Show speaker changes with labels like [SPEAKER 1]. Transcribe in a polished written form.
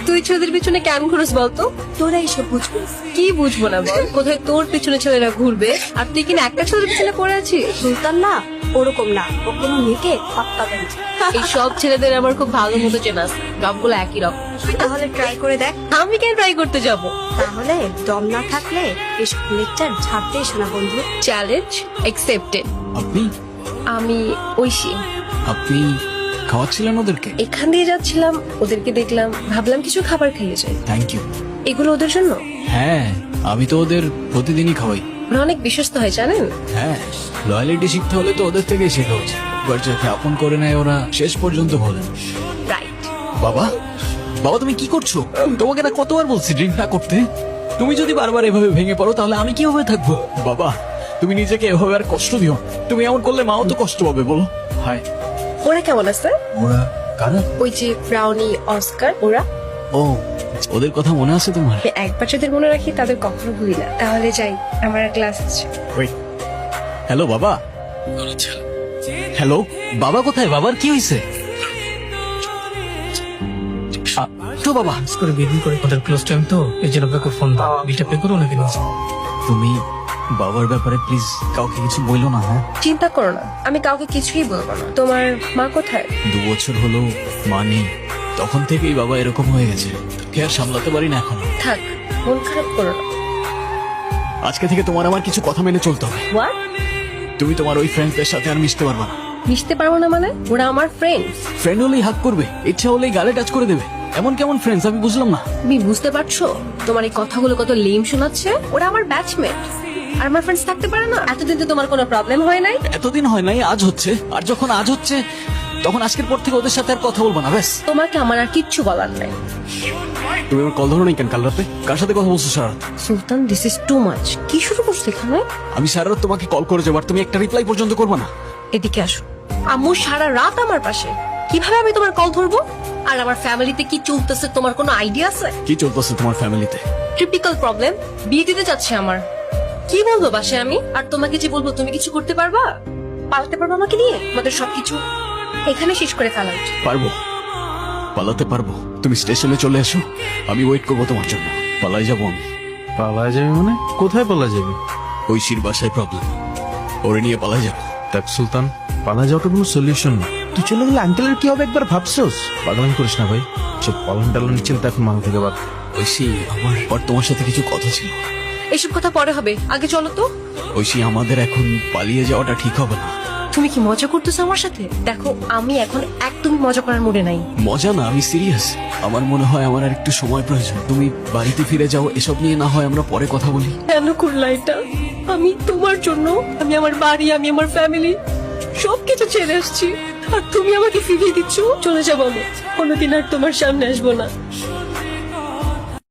[SPEAKER 1] তুই ছেলেদের পিছনে কেন ঘুরস বলতো?
[SPEAKER 2] তোরা এইসব বুঝবি।
[SPEAKER 1] কি বুঝবো না বল? কোথায় তোর পিছনে ছেলেরা ঘুরবে আর তুই কিনা একটা ছেলের পিছনে পড়ে আছিস?
[SPEAKER 2] সুলতান না ওরকম না, ও কোনো মেয়েকে পাত্তা দেয় না।
[SPEAKER 1] এই সব ছেলেদের আমার খুব ভালো মতো চেনা আছে, সবগুলো একই রকম।
[SPEAKER 2] তুই তাহলে ট্রাই করে দেখ।
[SPEAKER 1] আমি কেন ট্রাই করতে যাব?
[SPEAKER 2] তাহলে দম না থাকলে এসব লেকচার ছাড়তে এসো না বন্ধু।
[SPEAKER 1] Challenge accepted.
[SPEAKER 3] আপনি
[SPEAKER 1] আমি ঐশী।
[SPEAKER 3] আপনি খাওয়াচ্ছিলেন ওদেরকে?
[SPEAKER 1] এখান দিয়ে যাচ্ছিলাম, ওদেরকে দেখলাম, ভাবলাম কিছু খাবার খেয়ে যাই।
[SPEAKER 3] Thank you.
[SPEAKER 1] এগুলো ওদের জন্য।
[SPEAKER 3] হ্যাঁ, আমি তো ওদের প্রতিদিনই খাওয়াই।
[SPEAKER 1] ওরা অনেক বিশ্বস্ত হয় জানেন।
[SPEAKER 3] হ্যাঁ, লয়ালিটি শিখতে হলে তো ওদের থেকেই শেখা উচিত। এবার যাকে আপন করে নেয় ওরা শেষ পর্যন্ত বলেন।
[SPEAKER 1] রাইট।
[SPEAKER 3] বাবা, বাবা তুমি কি করছো? তোমাকে না কতবার বলছি ড্রিঙ্ক না করতে। তুমি যদি বারবার এভাবে ভেঙে পড়ো তাহলে আমি কিভাবে থাকবো? বাবা, তুমি নিজেকে এভাবে আর কষ্ট দিও। তুমি এমন করলে মাও তো কষ্ট পাবে, বলো। হাই।
[SPEAKER 1] ওরা কেমন আছে?
[SPEAKER 3] ওরা কারা?
[SPEAKER 1] ওই যে ব্রাউনি, অস্কার, ওরা।
[SPEAKER 3] ও, ওদের কথা মনে আছে তোমার?
[SPEAKER 1] আমি একবার যাদের মনে রাখি তাদের কখনো ভুলি না। তাহলে যাই, আমার ক্লাস আছে।
[SPEAKER 3] হ্যালো বাবা। হ্যালো বাবা, কোথায়? বাবার কি হয়েছে? তো বাবা
[SPEAKER 4] করে বেবি করে ওদের ক্লোজ টাইম তো এই জন্য আপনাকে ফোন দাও, বিলটা পে করো নাকি নিয়ে যাও।
[SPEAKER 3] তুমি বাবার ব্যাপারে প্লিজ কাউকে কিছু বললো না। হ্যাঁ,
[SPEAKER 1] চিন্তা করো না, আমি কাউকে কিছুই বলবো না। তোমার মা কোথায়?
[SPEAKER 3] 2 বছর হলো মা নেই। তখন থেকেই বাবা এরকম হয়ে গেছে, তোকে আর সামলাতে পারি না এখনো।
[SPEAKER 1] থাক, মন খারাপ করো না।
[SPEAKER 3] আজকে থেকে তোমার আমার কিছু কথা মেনে চলতে হবে।
[SPEAKER 1] হোয়াট?
[SPEAKER 3] তুমি তোমার ওই ফ্রেন্ডসদের সাথে আর মিশতে পারবে না।
[SPEAKER 1] মিশতে পারবো না মানে? ওরা আমার ফ্রেন্ডস।
[SPEAKER 3] ফ্রেন্ড হলেই হাক করবে, ইচ্ছা হলেই গালে টাচ করে দেবে। এমন কেমন ফ্রেন্ডস আমি বুঝলাম না।
[SPEAKER 1] তুমি বুঝতে পারছো তোমার এই কথাগুলো কত লেম শোনাচ্ছে? ওরা আমার ব্যাচমেট আর আমার ফ্রেন্ডস থাকতে পারে না? এতদিন তো তোমার কোনো প্রবলেম হয় নাই।
[SPEAKER 3] এতদিন হয় নাই, আজ হচ্ছে। আর যখন আজ হচ্ছে তখন আজকের পর থেকে ওদের সাথে আর কথা বলবো না, ব্যাস।
[SPEAKER 1] তোমাকে আমার আর কিচ্ছু বলার নাই।
[SPEAKER 3] তুমি আমার কল ধরো নাই কেন কাল রাতে? কার সাথে কথা বলছো সারা রাত?
[SPEAKER 1] Sultan, this is too much. কি শুরু করছো এখানে?
[SPEAKER 3] আমি সারা রাত তোমাকে কল করে যাবার, তুমি একটা রিপ্লাই পর্যন্ত করবে না।
[SPEAKER 1] এদিকে আসো। আম্মু সারা রাত আমার পাশে, কিভাবে আমি তোমার কল ধরবো? আর আমার ফ্যামিলিতে কি চলতেছে তোমার কোনো আইডিয়া আছে?
[SPEAKER 3] কি চলতেছে তোমার ফ্যামিলিতে?
[SPEAKER 1] টিপিক্যাল প্রবলেম, বিয়ে দিতে যাচ্ছে আমার। কি বলবো বাসায় আমি? আর তোমাকে যে বলবো তুমি কিছু করতে পারবা? পালাতে পারবো আমাকে নিয়ে? আমাদের সবকিছু এখানে শেষ করে ফেলা উচিত।
[SPEAKER 3] পারবো, পালাতে পারবো। তুমি স্টেশনে চলে এসো, আমি ওয়েট করবো তোমার জন্য। পালাই যাবো আমি।
[SPEAKER 5] পালায় যাবে মানে? কোথায় পালা যাবে?
[SPEAKER 3] ঐশীর বাসায় প্রবলেম, ওরে নিয়ে পালাই যাবো।
[SPEAKER 5] দেখ সুলতান, পালা যাওয়াটা কোনো সলিউশন না। তুই চলে গেলে আঙ্কেলের কি হবে একবার ভাবছোস? পাগলামি করিস না ভাই, সব পালন টালনের চিন্তা এখন মাথা থেকে বাদ।
[SPEAKER 3] ঐশী, আমার আর তোমার সাথে কিছু কথা ছিল।
[SPEAKER 1] এসব কথা পরে হবে, আগে চলো তো।
[SPEAKER 3] ঐশী, আমাদের এখন পালিয়ে যাওয়াটা ঠিক হবে না।
[SPEAKER 1] তুমি কি মজা করতেছো আমার সাথে? দেখো, আমি এখন একদমই মজা করার মুডে নাই।
[SPEAKER 3] মজা না, আমি সিরিয়াস। আমার মনে হয় আমার আর একটু সময় প্রয়োজন। তুমি বাড়িতে ফিরে যাও, এসব নিয়ে না হয় আমরা পরে কথা বলি।
[SPEAKER 1] কেন করলা এটা? আমি তোমার জন্য, আমি আমার বাড়ি, আমি আমার ফ্যামিলি সবকিছু ছেড়ে আসছি, আর তুমি আমাকে ফিরিয়ে দিচ্ছ। চলে যাবো আমি, কোনোদিন আর তোমার সামনে আসবো না।